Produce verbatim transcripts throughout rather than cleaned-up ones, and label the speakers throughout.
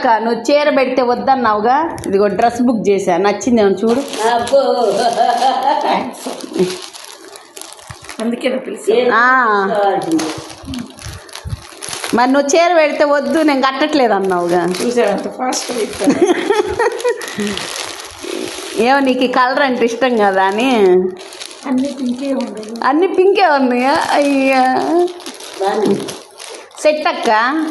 Speaker 1: అక్క నువ్వు చీర పెడితే వద్దన్నావుగా, ఇదిగో డ్రెస్ బుక్ చేశా, నచ్చిందేమో చూడు.
Speaker 2: అందుకే
Speaker 1: మరి నువ్వు చీర పెడితే వద్దు నేను కట్టట్లేదు అన్నావుగా.
Speaker 2: చూసాడు ఫాస్ట్.
Speaker 1: ఏమో నీకు ఈ కలర్ అంటే ఇష్టం కదా అని.
Speaker 2: అన్ని పింకే ఉన్నాయి,
Speaker 1: అన్ని పింకే ఉన్నాయా? అయ్యా సెట్ అక్క.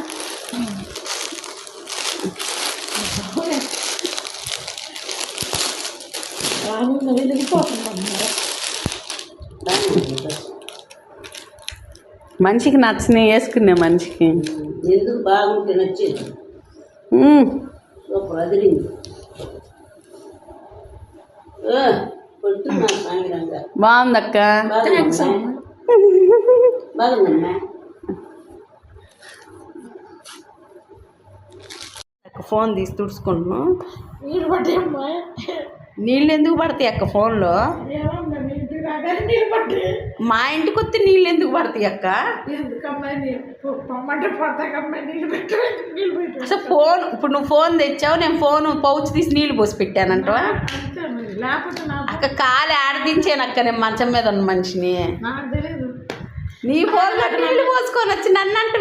Speaker 1: మనిషికి నచ్చినవి వేసుకునే మనిషికి
Speaker 3: ఎందుకు బాగుంటే నచ్చేది. సూపర్ అదిరింది.
Speaker 1: బాగుందక్క.
Speaker 3: బాగుందమ్మా.
Speaker 1: ఫోన్ తీసి తుడుచుకుంటున్నాం.
Speaker 2: నీళ్ళు పట్టేమ్మా.
Speaker 1: నీళ్ళు ఎందుకు పడతాయి అక్క ఫోన్లో? మా ఇంటికి వస్తే నీళ్ళు ఎందుకు పడతాయి అక్క? అసలు ఫోన్ ఇప్పుడు నువ్వు ఫోన్ తెచ్చావు, నేను ఫోన్ పౌచ్ తీసి నీళ్ళు పోసి పెట్టానంటవా? అక్క కాలు ఆడదించాను అక్క, నేను మంచం మీద ఉన్న మనిషిని. నీ ఫోన్ నీళ్ళు పోసుకొని వచ్చి నన్ను అంటే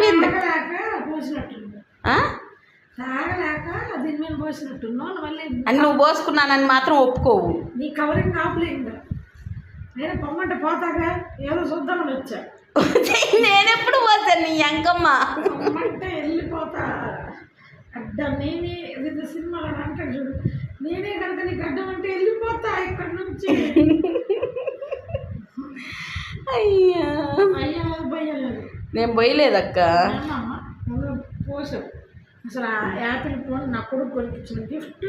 Speaker 1: అని నువ్వు పోసుకున్నానని మాత్రం ఒప్పుకోవు.
Speaker 2: నీ కవరింగ్ ఆపలేదు. నేను పొమ్మంటే పోతాగా, ఏదో చూద్దామని వచ్చా.
Speaker 1: నేనెప్పుడు పోతాను నీ అంకమ్మ
Speaker 2: పొమ్మంటే వెళ్ళిపోతా. అడ్డం నేనే ఏదో సినిమాలో అంటాడు చూడు, నేనే కనుక నీకు అడ్డం అంటే వెళ్ళిపోతా ఇక్కడ నుంచి.
Speaker 1: అయ్యా
Speaker 2: అయ్యా పోయలేదు,
Speaker 1: నేను పోయలేదక్క.
Speaker 2: పోసావు అసలు. ఆ యాపిల్ ఫోన్ నా కొడుకు కొనిపించిన గిఫ్ట్.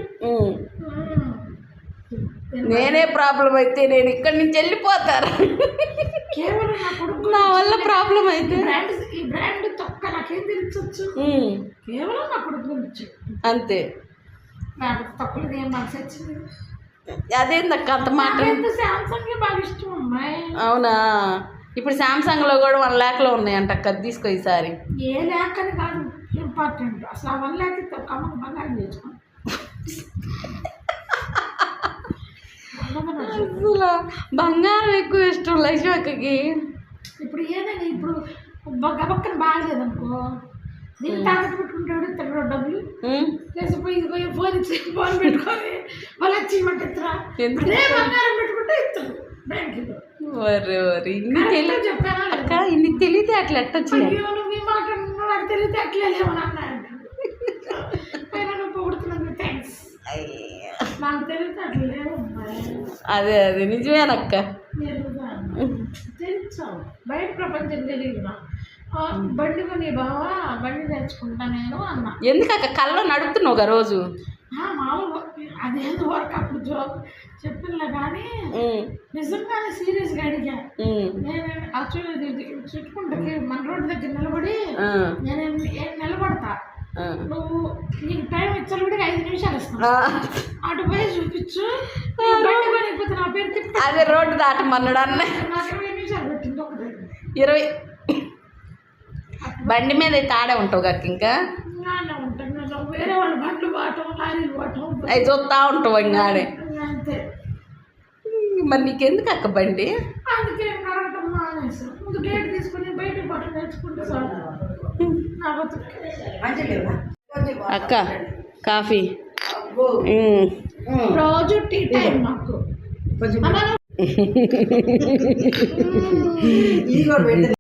Speaker 1: నేనే ప్రాబ్లం అయితే నేను ఇక్కడి నుంచి వెళ్ళిపోతాను.
Speaker 2: కేవలం నా కొడుకు
Speaker 1: నా వల్ల ప్రాబ్లం అయితే
Speaker 2: బ్రాండ్, ఈ బ్రాండ్ తొక్క నాకేం తెలిసొచ్చు, కేవలం నా కొడుకు గురించి అంతే. నాకు తొక్కలది ఏం మనసు వచ్చింది.
Speaker 1: అదేందక్క అంత మాట?
Speaker 2: శాంసంగ్ బాగా ఇష్టం అమ్మాయి.
Speaker 1: అవునా? ఇప్పుడు శాంసంగ్లో కూడా వన్ ల్యాక్లో ఉన్నాయంట అక్క, అది తీసుకో ఈసారి.
Speaker 2: ఏ ల్యాక్ అని కాదు ఇంపార్టెంట్, అసలు ఆ వన్ ల్యాక్ కమ్మకు బంగారం చేసుకో.
Speaker 1: అసలు బంగారం ఎక్కువ ఇష్టం లక్ష్మి అక్కకి.
Speaker 2: ఇప్పుడు ఏదైనా ఇప్పుడు గబక్కన బాగలేదనుకో, నేను తాకట్టు పెట్టుకుంటాడు ఇస్తాడు డబ్బులు, లేకపోయి ఇదిగో ఫోన్ ఇచ్చి ఫోన్ పెట్టుకొని వాళ్ళు వచ్చి ఇవ్వమంటే ఇస్తారా? బంగారం పెట్టుకుంటే ఇస్తాడు బ్యాంకులో.
Speaker 1: ఇన్ని తెలియ
Speaker 2: చెప్పాను
Speaker 1: అక్క, ఇన్ని తెలియతే అట్లా ఎట్టొచ్చు.
Speaker 2: నువ్వు ఈ మాట నాకు తెలియతే అట్లేమని అన్నాడు. నువ్వు పొగుడుతున్నాను, థ్యాంక్స్. నాకు తెలియతే అట్లా లేవు.
Speaker 1: అదే అదే నిజమేనక్క.
Speaker 2: తెలుసావు బయట ప్రపంచం తెలియదు. బండి కొని బావా బండి తెచ్చుకుంటా నేను అన్నా.
Speaker 1: ఎందుకక్క కళ్ళలో నడుపుతున్నావు ఒక రోజు?
Speaker 2: మామూలు అదేందు వరకు అప్పుడు జోక్ చెప్పినా కానీ నిజంగానే సీరియస్గా అడిగా. నేను యాక్చువల్లీ చుట్టుకుంటే మన రోడ్డు దగ్గర నిలబడి నేను నిలబడతా, నువ్వు నీకు టైం ఇచ్చాను కూడా ఐదు నిమిషాలు ఇస్తాను, అటు పోయి చూపించు బండి నా పేరు తిప్పి.
Speaker 1: అదే రోడ్డు దాటమన్నాడు అన్న.
Speaker 2: నాకు ఇరవై నిమిషాలు పెట్టింది ఒక దగ్గర.
Speaker 1: ఇరవై బండి మీద అయితే ఆడే ఉంటావు కాక ఇంకా
Speaker 2: ఉంటాను. వేరే వాళ్ళు బండ్లు పోవటం లారీలు పోవటం
Speaker 1: అవి చూస్తూ ఉంటావు ఇంకా ఆడే.
Speaker 2: అంతే.
Speaker 1: మరి నీకెందుకు అక్క బండి?
Speaker 2: అందుకే నడవటం మానేసి ముందు గేట్ తీసుకుని బయటకు పోవటం నేర్చుకుంటే సార్ నా బతుకు.
Speaker 1: అక్క కాఫీ
Speaker 2: రోజు టీ టైం మాకు.